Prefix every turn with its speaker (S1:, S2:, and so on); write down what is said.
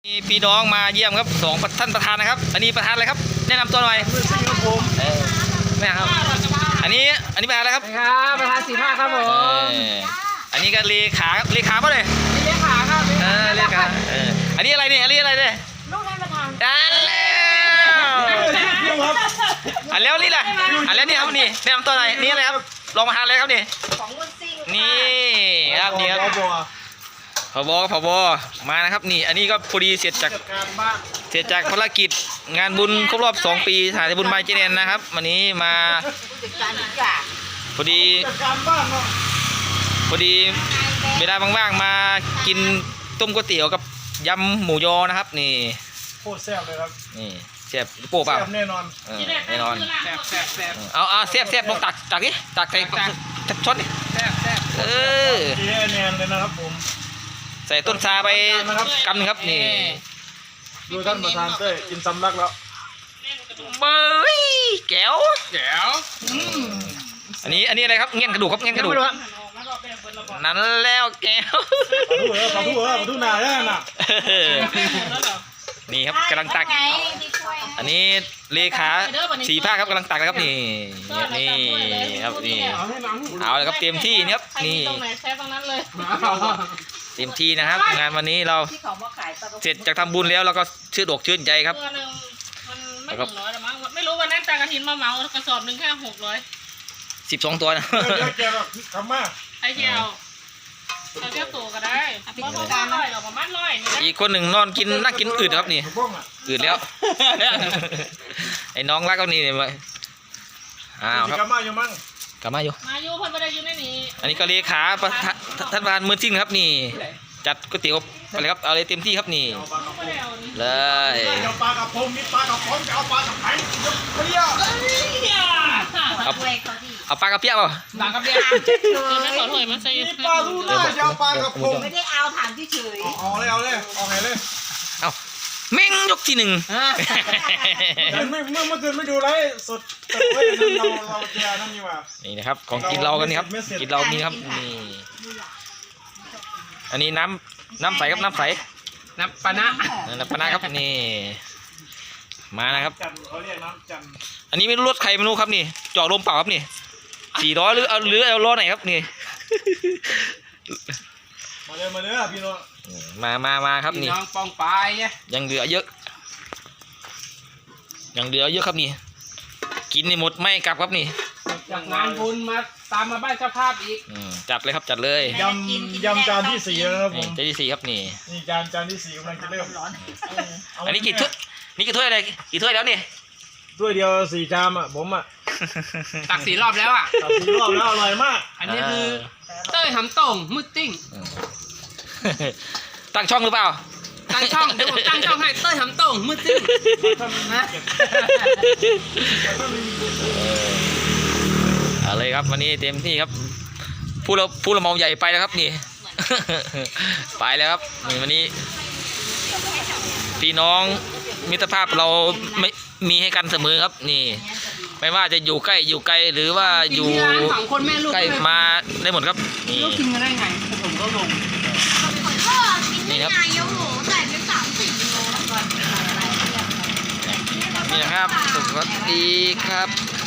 S1: มีพี่น้องมาเยี่ยมครับท่านประธานนะครับอันนี้ประธานอะไรครับแนะนำตัวหน่อยแม่ครับอันนี้ประธานอะไรครับ
S2: ครับประธาน4 ภาคครับผม
S1: อันนี้ก็เลขาป่ะเลย
S2: เลขาครับ
S1: เลขาอันนี้อะไรเนี่ย
S2: ลูกท่านประธาน
S1: อันแล้วนี่แหละอันแล้วนี่ครับนี่แนะนำตัวหน่อยนี่อะไรครับรองประธานอะไรครับนี่นี่ครับนี่ครับผบมานะครับนี่อันนี้ก็พอดีเสร็จจากภารกิจงานบุญครบรอบ2 ปีสถานบุญไมเจเนนนะครับวันนี้มาพอดีเวลาว่างๆมากินต้มก๋วยเตี๋ยวกับยำหมูยอนะครับนี่
S3: โคตรแซ่บเลยครับ
S1: นี่แซ่บโป๊ะเปล่า
S3: แน่นอน
S1: แน่นอน
S3: แซ่บ
S1: เอาแซ่บลงตักดิตักใส่ช้อนดิ
S3: แซ่บเจ๊แนนเลยนะครับผม
S1: ใส่ต้นซาไปกำนึงครับนี่
S3: ดูท่านประธานเต้ยกินสำลักแล้ว
S1: เบยแก้วอันนี้อะไรครับเงี้ยกระดูกครับเงี้ยกระดูกนั้นแล้วแก้ว
S3: ขอทูหนาได้น่ะ
S1: นี่ครับกำลังตักอันนี้เลขา4 ภาคครับกำลังตักนะครับนี่ครับนี่เอาเลยครับเต็มที่นี่ครับนี่เต็มที่นะครับงานวันนี้เราเสร็จจากทำบุญแล้วเราก็ชื่นอกชื่นใจครับ
S2: มันไม่ถึง100หรอกมั้งไม่รู้วันนั้นตากระถินมาเหมากระสอบหนึ่งแค่600
S1: 12 ตัวนะ
S3: แกแบบทำมาก
S2: ไอเที่ยวเราเที่ยวตัวก็ได้ประมาณ100หรอกประมาณ100
S1: อีกคนหนึ่งนอนกินนั่งกินอืดครับนี่อืดแล้วไอ้น้องรักเขานี่เลยครับ
S3: กลับมาอยู่มั้ง
S1: กลับมาอยู่
S2: เพิ่นไม่ได้อยู่ในนี้
S1: อันนี้ก็เลขาท่านประธานมือจริงครับนี่จัดก๋วยเตี๋ยวอะไรครับเอาเลยเต็มที่ครับนี่เลย
S3: เอาปลากระพงมีปลากระพงจะเอาปลากระไผ่
S1: เอาปลากระเปี๊ยกเปล่า
S2: ปลากระเปี๊ยกไม่ขอถอยมาใส่
S3: ปลาทูน่าจะเอาปลากระพง
S4: ไม่ได้เอาถามเฉย
S3: เอาเลย
S1: เอาเม่งยกที่ 1
S3: เมื่อคืนไม่ดูไลฟ์สดแต่ว่าเราเจอนั่นนี่ว่า
S1: นี่นะครับของกินเรากันนี่ครับกินเรามีครับนี่อันนี้น้ำใสครับน้ำปานะครับนี่มานะครับอันนี้ไม่รู้รถใครไม่รู้ครับนี่จอดลมเปล่าครับนี่400หรือเอาล้อไหนครับนี่
S3: มาเลยพี่น้อง
S1: มาครับนี่
S2: น้องปองปลาย
S1: ยังเหลือเยอะครับนี่กินนี่หมดไม่กลับครับนี่
S2: จากงานบุญมาตามมาบ้านเจ้าภาพอีก
S1: จัดเลยครับจัดเลย
S3: ยำจานที่4แล้วครับผม
S1: จานที่4ครับนี่
S3: จานที่4กำลังจะเริ่ม
S1: อันนี้กี่ถ้วยอะไรกี่ถ้วยแล้วนี่
S3: ถ้วยเดียว4 ชามอ่ะผมอ่ะ
S2: ตัก4 รอบแล้ว
S3: ตัก4 รอบแล้วอร่อยมาก
S2: อันนี้คือเต้ยหำต่งมืดติ้ง
S1: ตั้งช่องหรือเปล่า
S2: ตั้งช่องเดี๋ยวผมตั้งช่องให้เต้ยหำต่งมืดติ้งนะ
S1: อะไรครับวันนี้เต็มที่ครับผู้ละเมาใหญ่ไปแล้วครับนี่ไปแล้วครับวันนี้พี่น้องมิตรภาพเราไม่มีให้กันเสมอครับนี่ไม่ว่าจะอยู่ใกล้อยู่ไกลหรือว่าอยู่ใกล้มาได้หมดครับนี่
S2: กินกันได้ไงผมก็ลง
S1: นี่ครับนี่นะครับสวัสดีครับ